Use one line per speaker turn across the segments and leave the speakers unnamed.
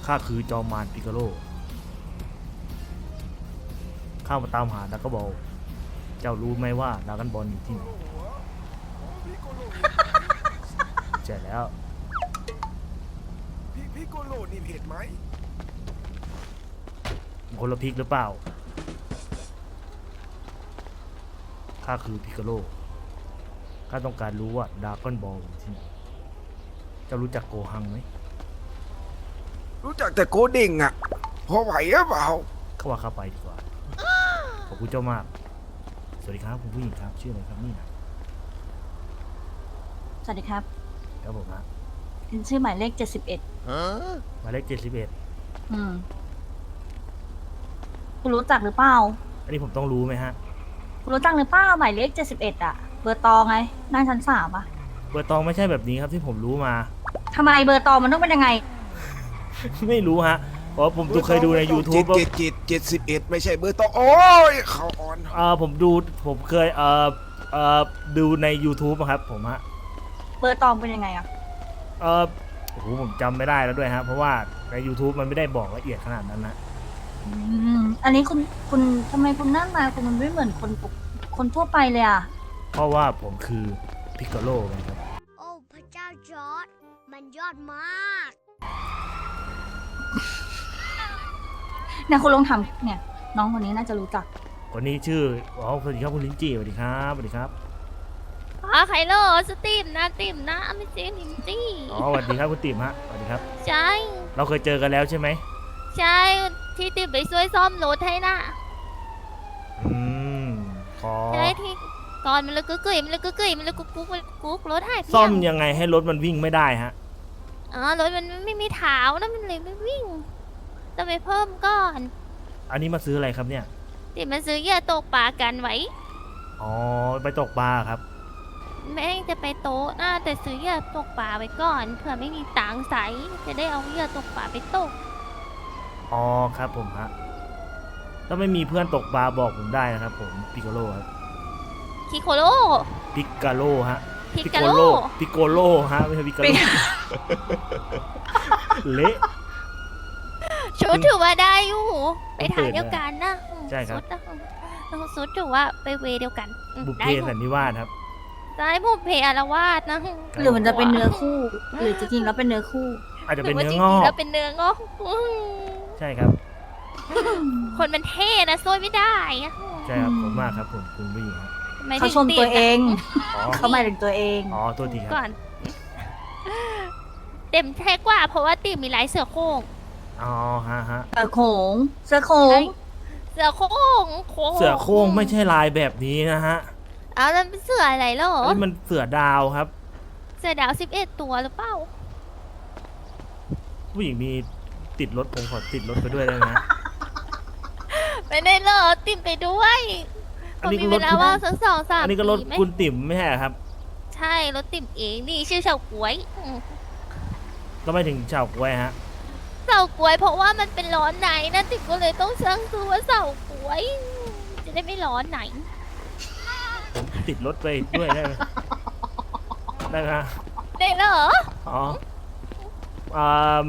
ข้าคือจอมมารปิกาโลข้ามาตามหาดราก้อนบอลเจ้ารู้ไหมว่าดราก้อนบอลอยู่ที่ไหนใช่แล้ว
พี่โกโลนี่เห็นไหม
คนละพิกหรือเปล่าข้าคือปิกาโลข้าต้องการรู้ว่าดราก้อนบอลอยู่ที่ไหนเจ้ารู้จักโกฮังไหม
รู้จักแต่โกเด้งอ่ะพอไหวหรือเปล่า
เข้าว่าข้าไปดีกว่าขอบคุณเจ้ามากสวัสดีครับคุณผู้หญิงครับชื่ออะไรครับนี่นะ
สวัสดีครับ
ครับผมฮะ
เป็นชื่อหมายเลข71
หมายเลข71
คุณรู้จักหรือเปล่า
อันนี้ผมต้องรู้ไหมฮะ
คุณรู้จักหรือเปล่าหมายเลข71อ่ะ เบอร์ตองไงนั่งชั้น3อ่ะ
เบอร์ตองไม่ใช่แบบนี้ครับที่ผมรู้มา
ทำไมเบอร์ตองมันต้องเป็นยังไง
ไม่รู้ฮะเพราะผมเคยดูใน YouTube
71ไม่ใช่เบอร์ตองโอ้ยเขาอ่อน
ผมเคยดูใน YouTube อะครับผมฮะ
เบอร์ตองเป็นยังไงอ่ะ
โอ้โหผมจำไม่ได้แล้วด้วยฮะเพราะว่าใน YouTube มันไม่ได้บอกละเอียดขนาดนั้นนะ
อันนี้คุณทำไมคุณหน้าตาคุณมันไม่เหมือนคนทั่วไปเลยอ่ะ
เพราะว่าผมคือพิกาโลไงครับ
โอ้พระเจ้าจอร์ดมันยอดมาก
เนี่ยคุณลองทำเนี่ย น้องคนนี้น่าจะรู้จัก
คนนี้ชื่อสวัสดีครับคุณลินจี้สวัสดีครับสวัสดีครับ
ไคโลสติมนะติมนะไม่ใช่ลิมจี้
อ๋อสวัสดีครับคุณติ๋มฮะสวัสดีครับ
ใช่
เราเคยเจอกันแล้วใช่ไหม
ใช่ที่ติมไปช่วยซ่อมรถให้น่ะ
อืมขอ
ใช่ที่ก่อนมันเลยกุ๊กมันเลยกุ๊กมันเลยกุ๊กรถหายไป
ซ่อมยังไงให้รถมันวิ่งไม่ได้ฮะ
รถมันไม่มีเท้านะมันเลยไม่วิ่งต้องไปเพิ่มก่อน
อันนี้มาซื้ออะไรครับเนี่ย
ติมมันซื้อเหยื่อตกปลากันไว้
อ๋อไปตกปลาครับ
แม่งจะไปโต๊ะน่าแต่ซื้อเหยื่อตกปลาไว้ก่อนเผื่อไม่มีตังค์ใส่จะได้เอาเหยื่อตกปลาไปตก
อ๋อครับผมฮะถ้าไม่มีเพื่อนตกปลาบอกผมได้นะครับผมปิโกโลครับ
คิโคโล
ปิกาโลฮะ
พิกาโล
ปิโกโลฮะไม่ใช่ปิกาโลเละ
ชุดถือว่าได้อยู่ไปทางเดียวกันนะ
ใช่ครับ
ชุดถือว่าไปเวเดียวกัน
บุพเพ
ได้อยู่
สันนิวาสครับ
ได้บุพเพอารวาสนะ
หรือมันจะเป็นเนื้อคู่ หรือจริงๆแล้วเป็นเนื้อคู่
อาจจะเป็น
หรื
เนื้อ
ว่าง
อ
จริๆ
ก
แล้วเป็นเนื้องอก
ใช่ครับ
คนมันเท่นะซวยไม่ได้อะ
ใช่ครับผมมากครับผมคุณผู้หญิงครับ
ไม่
เขา
ได้
ชมตัวเอง
อ๋อ
เขาหมายถึงตัวเอง
อ๋อตัวทีครับ
ก่อน เต็มแท้กว่าเพราะว่าติมมีลายเสือโคร่ง
อ๋อฮะ
เสือโขงเสือโขง
เสือโคร่ง
เสือโคร่งไม่ใช่ลายแบบนี้นะฮะ
เอาแล้วเป็นเสืออะไรเหรอ
อันนี้มันเสือดาวครับ
เสือดาว11 ตัวหรือเปล่า
ผู้หญิงมีติดรถผมขอติดรถไปด้วยได้ไหมฮะ
ไม่ได้เหรอติมไปด้วย
อันนี้
ผมมี
ก็ร
เว
ถ
ลาว่างสัก2-3
อันนี้ก็รถ
ปีไหม
คุณติ๋มไม่ใช่เหรอครับ
ใช่รถติ่มเองนี่ชื่อเฉาก๊วย
ก็ไม่ถึงเฉาก้วยฮะ
เฉาก๊วยเพราะว่ามันเป็นร้อนไหนนะติ่มก็เลยต้องช่างซื้อว่าเฉาก๊วย จะได้ไม่ร้อนไหน
ผมติดรถไปด้วยได้ไหมได้ไหมฮะ
ได้เหรอ
อ๋ออ่า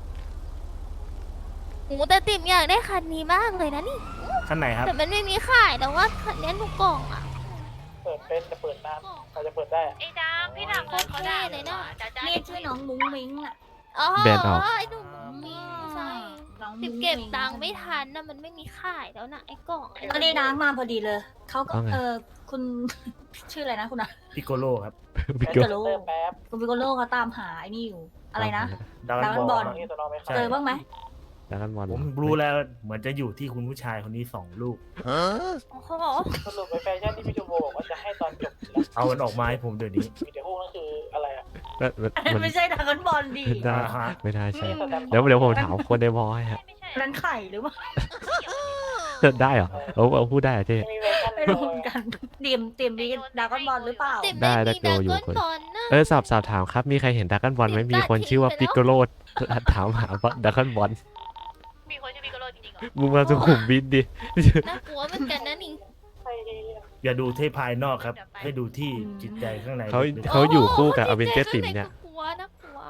โอ้แต่ติ่มอยากได้คันนี้มากเลยนะนี่
คันไหนครับ
แต่มันไม่มีขายแต่ว่าคันนี้ทุกกล่องอะ
เปิดเป็นจะเปิดนานใครจะเปิดได้
ไอ้ดามพี่ดามโคตรเท่เลยนะ
เรียกชื่อน้องมุ้งมิ้งอ่ะ
อ๋อ
แบรนด์ออก
ไอ้หนุ่มมีใช่
น้อง
ติ่
มุ้
ม
ง
เก็บ
มิ้ง
ตังค์ไม่ทันนะมันไม่มีขายแล้วนะไอ้กล่องไอ้
ก็ได้น้ำมาพอดีเลย เขาก็
ว่าไง
คุณ ชื่ออะไรนะคุณอะ
พิโกโลครับ
พี่
พิ
เกิ
โกโลคุณพิโกโลเขาตามหาไอ้นี่อยู่ อะไรนะ
ดาว
ดาวน์บอล
ใช่
เจอบ้างไหม
ดราก้อนบอล
ผมรู้แล้วเหมือนจะอยู่ที่คุณผู้ชายคนนี้2 ลูก
โอ้โห
สรุปไปแฟชั่นที่พี่ชูโบบอกว่าจะให้ตอนจบแล้ว
เอามันออกมาให้ผมเดี๋ยวนี้
มีแต่พวกนั่นคืออะไรอ่ะ
มัน
ไม่ใช่ดราก้อนบอลดี
ได้
อ่าฮะ
ไม่ได้ใช่
สแตมป์
เดี๋ยวผมถามคนในบอยฮะ
นั่นไข่หรือเปล่า
ได้เหรอเอาพูดได้เหรอเจ๊
มีเวอร์ชัน
ไม่รู้เหมือนกันเตรียมมีดราก้อนบอลหรือเปล่า
ติ่ม
ได้
ได้
ได้
มีดรา
ดูอยู่
ก้อน
คน
บอลนะ
สอบถามครับมีใครเห็นดราก้อนบอลไหมมีคนชื่อว่าปิกโกโลถามหาดราก้อนบอล
มีคนชื่อพิกโกโลจริงๆเหรอ
มึงมาสุขุมวิทดิ
น่ากลัวเหมือนกันนะนี่
อย่าดูที่ภายนอกครับ ให้ดูที่จิตใจข้างใน
เขา
ลึกๆ
เขาอยู่คู่กับอเวนเจอร์
จิ
ติ๋
ต
ม
ใจ
เนี่ย
ข้างในก็กลัวน่ากลัว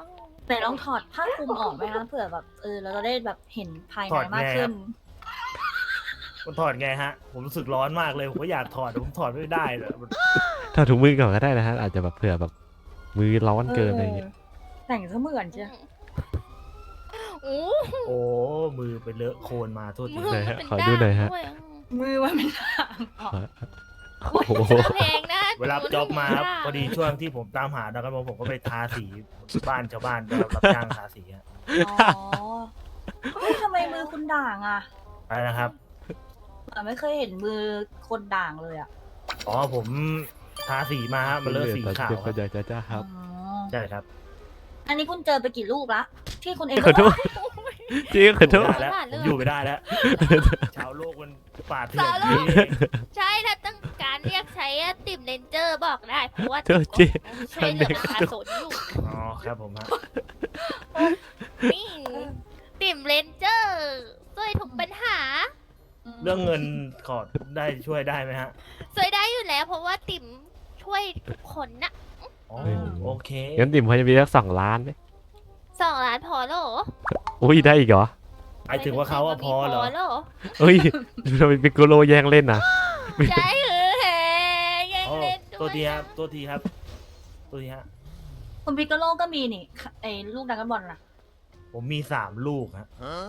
แต่ลองถอดผ้าคลุมออกไหมคะเผื่อแบบเราจะได้แบบเห็นภายใน
ถอด
มาก
ไง
ขึ้
ครั
น
บ มันถอดไงฮะ ผมรู้สึกร้อนมากเลย ผมก็อยากถอดแต่ผมถอดไม่ได้เลย
ถ้าถุงมือก่อนก็ได้นะฮะอาจจะแบบเผื่อแบบมือร้อนเกินอะไรอย่างเงี้ย
แต่งเสมือนเชียว
โอ้
โอ้ มือไปเลอะโคลนมาโทษที
มือ
ไหน
มัน
ฮะ
เป็น
ขอดูหน่อยฮะ
ด้ามด้วย
มือมันเป็นทางออก
โอ้โห
เพลงนะ
เวลาจ็อบมาครับ
ด้
พอดีช่วงที่ผมตามหาดักกันบอลผมก็ไปทาสีบ้านชาวบ้านไปรับจ้างทาสีฮะ
อ๋อเฮ้ยทำไมมือคุณด่างอ่ะ
อะไรนะครับ
ไม่เคยเห็นมือคนด่างเลยอ่ะ
อ๋อผมทาสีมาฮะมันเลอะสีขาวค
ก็
รับ
จะครับ
อ๋อ
ใช่ครับ
อันนี้คุณเจอไปกี่ลูกละที่คุณเอง
ขอโทษจริงขอโทษ
ไม่ได้แล้วผมอยู่ไม่ได้แล้ว ชาวโลกมันป่าเถื่อนนี่
ใช่ถ้าต้องการเรียกใช้ติ่มเลนเจอร์บอกได้เพราะว่า
โทษจริง
ช่วยเหลือประชาชนอยู่
อ๋อครับผมฮะ
นี่ติ่มเลนเจอร์ช่วยทุกปัญหา
เรื่องเงินขอได้ช่วยได้ไหมฮะ
ช่วยได้อยู่แล้ว เพราะว่าติ่มช่วยทุกคนนะ
อ๋อโอเค
งั้นติ่มพอจะมีสัก2 ล้านไหม
2 ล้านพอแล้วเหรอ
อุ้ยได้อีกเหรอ
หมายถึงว่าเขาอะพอเหรอ
แล้วเหรอ
เอ้ยทำไมปิกโกโลแย่งเล่นนะ
ใช่เหรอแฮแย่ง
อ๋อ
เล่นด้
ตัว
วย
ทีครับตัวทีครับ ตัวทีฮะ
คุณพิกาโลก็มีนี่ไอ้ลูกดักกันบอลล่ะ
ผมมี3 ลูกฮะ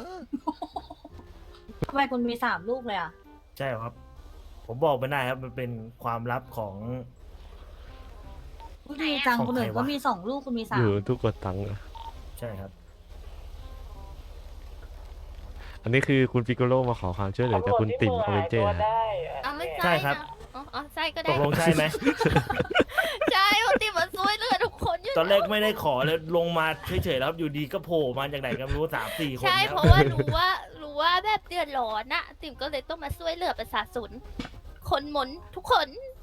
ทำไมคุณมี3 ลูกเลยอ่ะ
ใช่ครับ ผมบอกไม่ได้ครับ มันเป็นความลับของ
ลูกดีจัง
ของ
คนอื่น
ใครวะ
ก็มี2 ลูกคุณมี
อยู่
3
ทุกกดตังค์อะ
ใช่ครับ
อันนี้คือคุณปิกโกโลมาขอความช่วยเหลือจากคุณติ่มอเวนเจอร์นะ
เอาไม่
ใช่
ใช่
ครับ
นะอ๋อใช่ก็
ต
ได้
กลงใช่ไหม
ใช่เพราะติ่มมันช่วยเหลือทุกคนอยู่
ตอนแรกไม่ได้ขอเลยลงมาเฉยๆแล้วครับอยู่ดีก็โผล่มาจากไหนก็ไม่รู้3-4 คน
ใช่
ค
เพ
รับ
ราะว่ารู้ว่าแบบเดือดร้อนนะติ่มก็เลยต้องมาช่วยเหลือประชาชนคนหมนทุกคน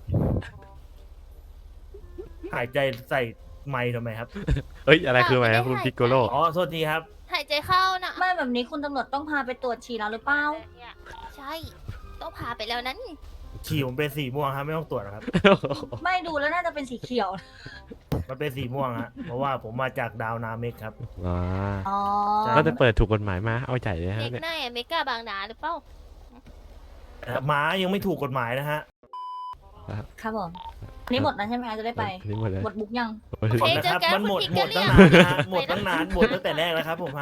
หายใจใส่ไมค์ทำไมครับ
เอ้ยอะไรคืออะไรครับคุณปิกโกโล
อ๋อโทษทีครับ
หายใจเข้านะ
ไม่แบบนี้คุณตำรวจต้องพาไปตรวจฉี่แล้วหรือเปล่า
ใช่ต้องพาไปแล้วนั้น
ฉี่ผมเป็นสีม่วงครับไม่ต้องตรวจหรอกครับ
ไม่ดูแล้วน่าจะเป็นสีเขียว
มันเป็นสีม่วงฮะเพราะว่าผมมาจากดาวนาเมกครับ
อ่า
อ๋อ
ใช่
ก็จะเปิดถูกกฎหมายมาเอาใจเลยฮะ
เด็ก
เนี่ย
หน้าอเมริกาบางนาหรือเปล่า
ม้ายังไม่ถูกกฎหมายนะฮะ
ครับผมอันนี้หมดแล้วใช่ไหมคะจะได้ไป
นี่หมดเลย
หมดบุ๊กยัง
โอ้ย
หมดนะครับ มันหมดตั้งนานนะฮะหมดตั้งนานหมดตั้งแต่แรกแล้วครับผมฮะ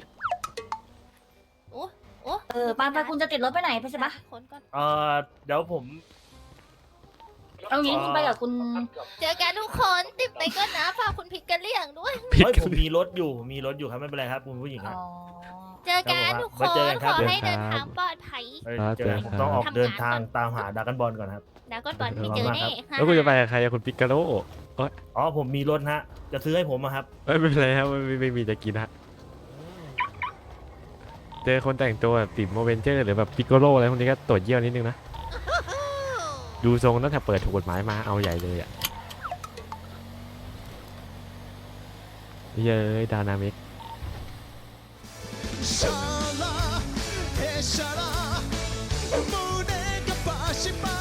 โอ้
ไปคุณจะติดรถไปไหนไปใช่ปะ
คนก่อน
เดี๋ยวผม
เอางี้คุณไปกับคุณ
เจอกันทุกคนติดไปก็นะฝากคุณพิกกะเลี่ยงด้วย
ผิด
เฮ้ย
กั
ผม
น
มีรถอยู่ครับไม่เป็นไรครับคุณผู้หญิงค
อ๋
รับ
อ
เจอกันทุกค
ไว้เจอน กันค
ข
รับ
อให้เดินทางปลอดภัย
เจอกันผมต้องออกเดินทางตามหาดรากันบอลก่อนครับ
แล้วก็ตอนไม่เจอแน่
แล้วคุณจะไปกับใครอะคุณปิกโกโล
อ๋อผมมีรถฮะ จะซื้อให้ผมอะครับ
เอ้ยไม่เป็นไรครับไม่มีจะกินฮะเจอคนแต่งตัวแบบติ่มอเวนเจอร์หรือแบบปิกโกโลอะไรพวกนี้ก็ตรวจเยี่ยวนิดนึงนะดูทรงตั้งแต่เปิดถูกกฎหมายมาเอาใหญ่เลยอ่ะเย้ยดานามิก
シャラへシャラ胸がバシバ